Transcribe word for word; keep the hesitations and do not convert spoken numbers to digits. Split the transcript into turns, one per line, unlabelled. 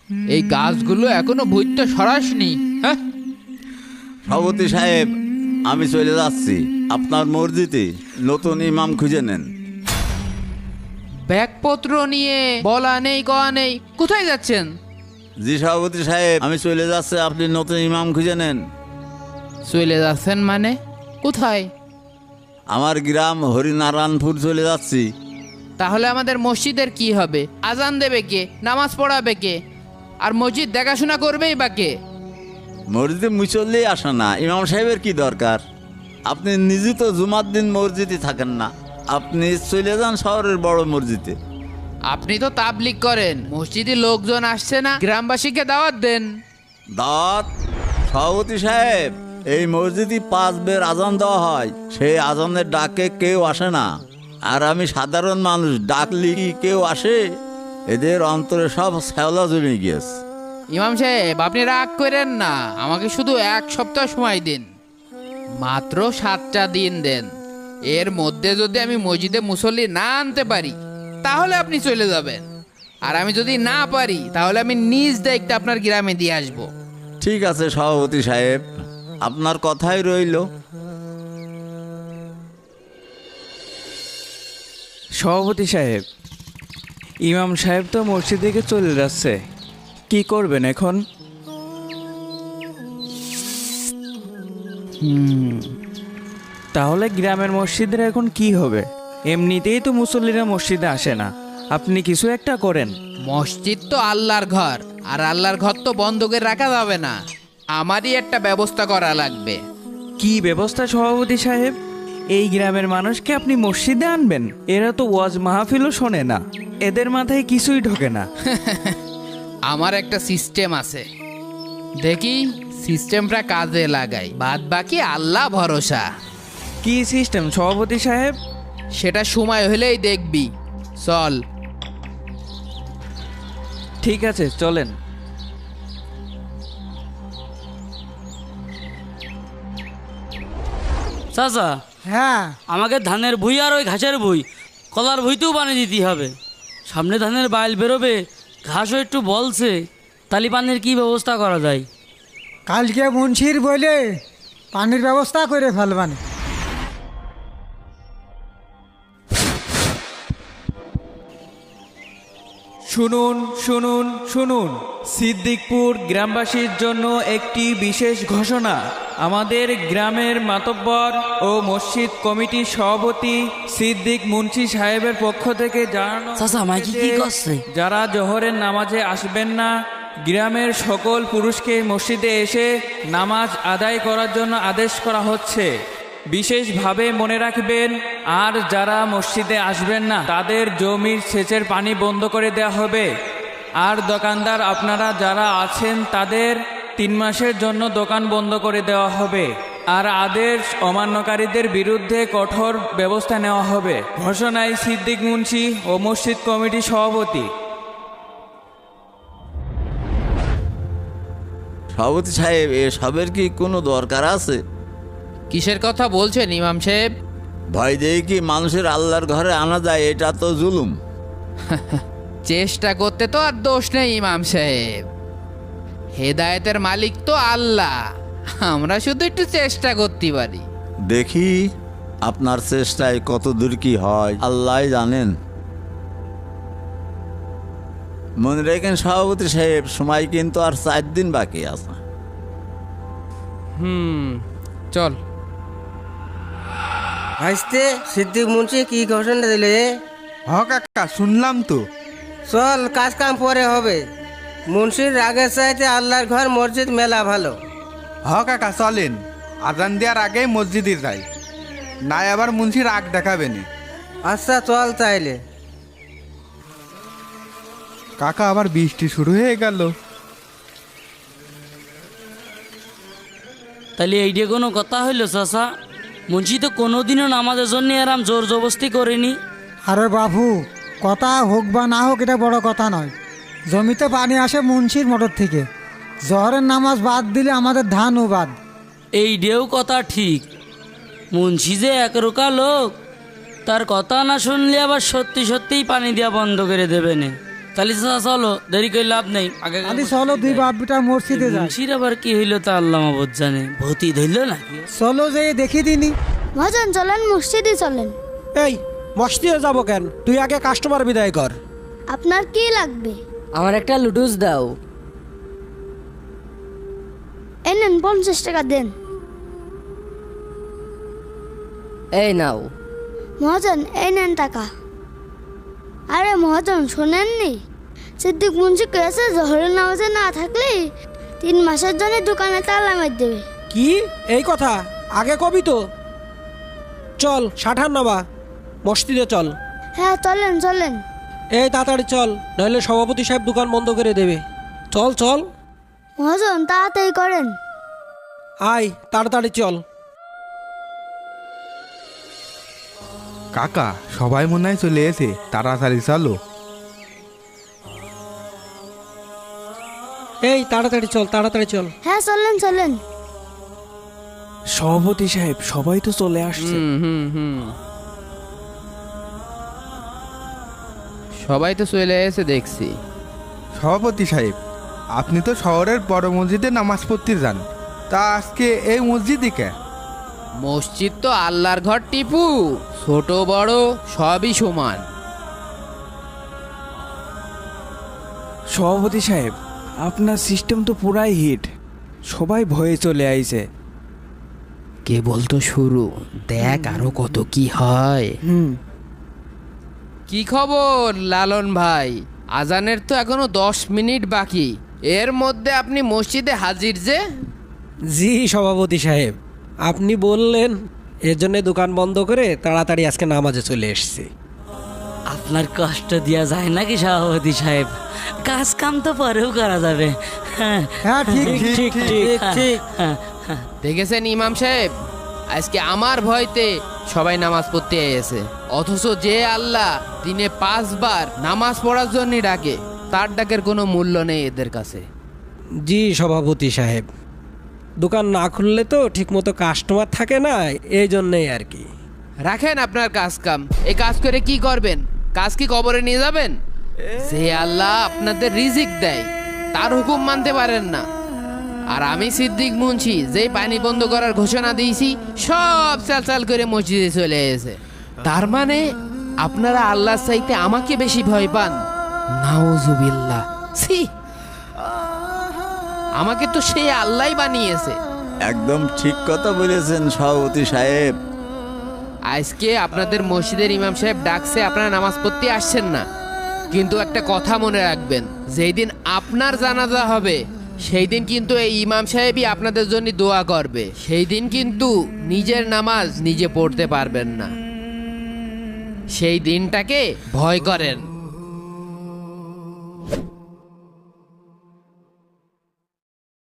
এই গাছগুলো এখনো ভূতটা সরাসনি। হ্যাঁ,
সভাপতি সাহেব, আমি চলে যাচ্ছি। আপনার মসজিদে নতুন ইমাম খুঁজে নেন।
ব্যাগপত্র নিয়ে বলা নেই কওয়া নেই, কোথায় যাচ্ছেন?
জি সভাপতি সাহেব, আমি চলে যাচ্ছি, আপনি নতুন ইমাম খুঁজে নেন।
চলে যাচ্ছেন মানে কোথায়?
আমার গ্রাম হরিনারায়ণপুর চলে যাচ্ছি।
তাহলে আমাদের মসজিদের কি হবে? আজান দেবে কে? নামাজ পড়াবে কে? আর মসজিদ দেখাশোনা করবেই বা কে?
মসজিদে মুসল্লি আসে না, ইমাম সাহেবের কি দরকার? আপনি নিজে তো জুমার দিন মসজিদে থাকেন না, আপনি চলে যান শহরের বড় মসজিদে।
আপনি তো তাবলিগ করেন, মসজিদে লোকজন আসছে না, গ্রামবাসীকে দাওয়াত দেন।
দাঁত সভাপতি সাহেব, এই মসজিদে পাঁচ বের আজান দেওয়া হয়, সেই আজানের ডাকে কেউ আসে না। আর আমি সাধারণ মানুষ, ডাকলি কি কেউ আসে? এদের অন্তরে সব শ্যাওলা জমে গিয়েছে।
ইমাম সাহেব, আপনি রাগ করেন না, আমাকে শুধু এক সপ্তাহ সময় দিন, মাত্র সাতটা দিন দেন। এর মধ্যে যদি আমি মসজিদে মুসল্লি না আনতে পারি তাহলে আপনি চলে যাবেন, আর আমি যদি না পারি তাহলে আমি নিজ দায়িত্বে আপনার গ্রামে দিয়ে আসবো।
ঠিক আছে সভাপতি সাহেব, আপনার কথাই রইল।
সভাপতি সাহেব, ইমাম সাহেব তো মসজিদ থেকে চলে যাচ্ছে, কি করবেন এখন? হুম, তাহলে গ্রামের মসজিদের এখন কি হবে? এমনিতেই তো মুসল্লিরা মসজিদে আসে না, আপনি কিছু একটা করেন।
মসজিদ তো আল্লাহর ঘর, আর আল্লাহর ঘর তো বন্ধ করে রাখা যাবে না, আমারই একটা ব্যবস্থা করা লাগবে।
কি ব্যবস্থা সভাপতি সাহেব? এই গ্রামের মানুষকে আপনি মসজিদে আনবেন? এরা তো ওয়াজ মাহফিলও শোনে না, এদের মাথায় কিছুই ঢোকে না।
আমার একটা সিস্টেম আছে, দেখি সিস্টেমটা কাজে লাগাই, বাদ বাকি আল্লাহ ভরসা।
কি সিস্টেম সভাপতি সাহেব?
সেটা সময় হলেই দেখবি, চল।
ঠিক আছে, চলেন।
চাচা,
হ্যাঁ,
আমাকে ধানের ভুই আর ওই ঘাসের ভুই, কলার ভুইতেও বানিয়ে দিতে হবে। সামনে ধানের বাইল বেরোবে, ঘাসও একটু বলছে, তালি পানির কি ব্যবস্থা করা যায়?
কালকে মুন্সির বলে পানির ব্যবস্থা করে ফেলবানি।
শুনুন শুনুন শুনুন, সিদ্দিকপুর গ্রামবাসীর জন্য একটি বিশেষ ঘোষণা। আমাদের গ্রামের মাতব্বর ও মসজিদ কমিটির সভাপতি সিদ্দিক মুন্সি সাহেবের পক্ষ থেকে জানানো
চাচা, মাইকি কি
হয়েছে যে
করছে?
যারা জোহরের নামাজে আসবেন না, গ্রামের সকল পুরুষকে মসজিদে এসে নামাজ আদায় করার জন্য আদেশ করা হচ্ছে। বিশেষভাবে মনে রাখবেন, আর যারা মসজিদে আসবেন না তাদের জমির সেচের পানি বন্ধ করে দেওয়া হবে। আর দোকানদার আপনারা যারা আছেন তাদের তিন মাসের জন্য দোকান বন্ধ করে দেওয়া হবে। আর আদেশ অমান্যকারীদের বিরুদ্ধে কঠোর ব্যবস্থা নেওয়া হবে। ঘোষণায় সিদ্দিক মুন্সি ও মসজিদ কমিটি সভাপতি।
সভাপতি সাহেব, এসবের কি কোনো দরকার আছে?
কিসের কথা বলছেন ইমাম সাহেব?
ভয় দিয়ে কি মানুষের আল্লাহর ঘরে আনা যায়? এটা তো জুলুম।
চেষ্টা করতে তো আর দোষ নেই ইমাম সাহেব, হেদায়েতের মালিক তো আল্লাহ, আমরা শুধু একটু চেষ্টা করতে পারি।
দেখি আপনার চেষ্টায় কত দূর কি হয়, আল্লাহ জানেন। মনে রেখেন সভাপতি সাহেব, সময় কিন্তু আর চার দিন বাকি আছে।
হুম, চল।
ভাইস্তে, সিদ্দিক মুন্সি কি ঘোষণা দিলে?
হ কাকা, শুনলাম তো।
চল, কাজ কাম পরে হবে। মুন্সির রাগের চাইতে আল্লাহর ঘর মসজিদ মেলা ভালো।
হ কাকা, চলেন, আজান দেওয়ার আগেই মসজিদে যাই, নাই আবার মুন্সি রাগ দেখাবে না।
আচ্ছা চল তাইলে।
কাকা, আবার বৃষ্টি শুরু হয়ে গেল।
তাহলে এইটা কোনো কথা হইলো চাচা? মুন্সি তো কোনোদিনও নামাজের জন্য এরাম জোর জবস্তি করেনি।
আরে বাবু, কথা হোক বা না হোক এটা বড় কথা নয়। জমিতে পানি আসে মুন্সির মোটর থেকে, জহরের নামাজ বাদ দিলে আমাদের ধানও বাদ।
এইটাও কথা ঠিক, মুন্সি যে একরোকা লোক, তার কথা না শুনলে আবার সত্যি সত্যিই পানি দেওয়া বন্ধ করে দেবে না। তাহলে চাচা চলো, দেরি করে লাভ নেই। আগে
আদি চলো দুই বাপ বেটা মসজিদে যাই।
মুন্সির আবার কি হইলো তা আল্লাহ মাবুদ জানে, ভূতি ধরল নাকি?
চলো যে দেখি দিনি।
মহাজন চলেন, মসজিদে চলেন।
এই মসজিদে যাবো কেন? তুই আগে কাস্টমার বিদায় কর।
আপনার কি লাগবে?
আমার একটা লুডুস দাও।
এই নেন পঞ্চাশ টাকা দেন।
এই নাও।
মহাজন এই নেন টাকা। আরে মহাজন শোনেননি, সিদ্দিক মুন্সি কেছে জহরের নামাজে না থাকলে তিন মাসের জন্য দোকানে তালা মার দেবে।
কি এই কথা আগে কবি তো। চল ষাঠান নামা, মসজিদে চল।
হ্যাঁ চলেন চলেন।
এই তাড়াতাড়ি চল, নইলে সভাপতি সাহেব দোকান বন্ধ করে দেবে। চল চল।
মহাজন তাড়াতাড়ি করেন।
আয় তাড়াতাড়ি চল।
কাকা সবাই মনে হয় চলে এসে, তাড়াতাড়ি চলো।
এই তাড়াতাড়ি চল, তাড়াতাড়ি চল।
হ্যাঁ চলেন চলেন।
সভাপতি সাহেব সবাই তো চলে আসছে।
হুম হুম হুম সবাই তো চলে এসে দেখছি।
সভাপতি সাহেব, আপনি তো শহরের বড় মসজিদে নামাজ পড়তে যান, তা আজকে এই মসজিদে কে?
মসজিদ তো আল্লাহর ঘর টিপু, ছোট বড় সবই সমান।
সভাপতি সাহেব, আপনার সিস্টেম তো পুরাই হিট, সবাই ভয়ে চলে আইছে।
কেবল তো শুরু, দেখ আরো কত কি হয়। কি খবর লালন ভাই? আজানের তো এখনো দশ মিনিট বাকি, এর মধ্যে আপনি মসজিদে হাজির যে?
জি সভাপতি সাহেব, আপনি বললেন এর জন্য দোকান বন্ধ করে তাড়াতাড়ি আজকে নামাজে চলে এসেছি।
আপনার কষ্ট দেওয়া যায় নাকি সভাপতি সাহেব? কাজ কাম তো পরেও করা যাবে। হ্যাঁ
হ্যাঁ ঠিক
ঠিক ঠিক ঠিক।
দেখেছেন ইমাম সাহেব, আজকে আমার ভয়তে সবাই নামাজ পড়তে এসেছে, অথচ যে আল্লাহ দিনে পাঁচবার নামাজ পড়ার জন্য ডাকে, তার ডাকের কোনো মূল্য নেই এদের কাছে।
জি সভাপতি সাহেব, দোকান না খুললে তো ঠিকমতো কাস্টমার থাকে না, এই জন্যই আর কি।
রাখেন আপনার কাজ কাম, এই কাজ করে কি করবেন? কাজ কি কবরে নিয়ে যাবেন? যে আল্লাহ আপনাদের রিজিক দেয়, তার হুকুম মানতে পারেন না। আর আমি সিদ্দিক মুন্সি যেই পানি বন্ধ করার ঘোষণা দিয়েছি, সব চাল চাল করে মসজিদে চলে এসেছে। তার মানে আপনারা আল্লাহর চাইতে আমাকে বেশি ভয় পান? নাউজুবিল্লাহ, ছি! আমাকে তো সেই আল্লাহই বানিয়েছে।
একদম ঠিক কথা বলেছেন সভাপতি সাহেব।
আজকে আপনাদের মসজিদের ইমাম সাহেব ডাকছে, আপনারা নামাজ পড়তে আসছেন না, কিন্তু একটা কথা মনে রাখবেন, যেই দিন আপনার জানাজা হবে সেই দিন কিন্তু এই ইমাম সাহেবই আপনাদের জন্য দোয়া করবে। সেই দিন কিন্তু নিজের নামাজ নিজে পড়তে পারবেন না। সেই দিনটাকে ভয় করেন।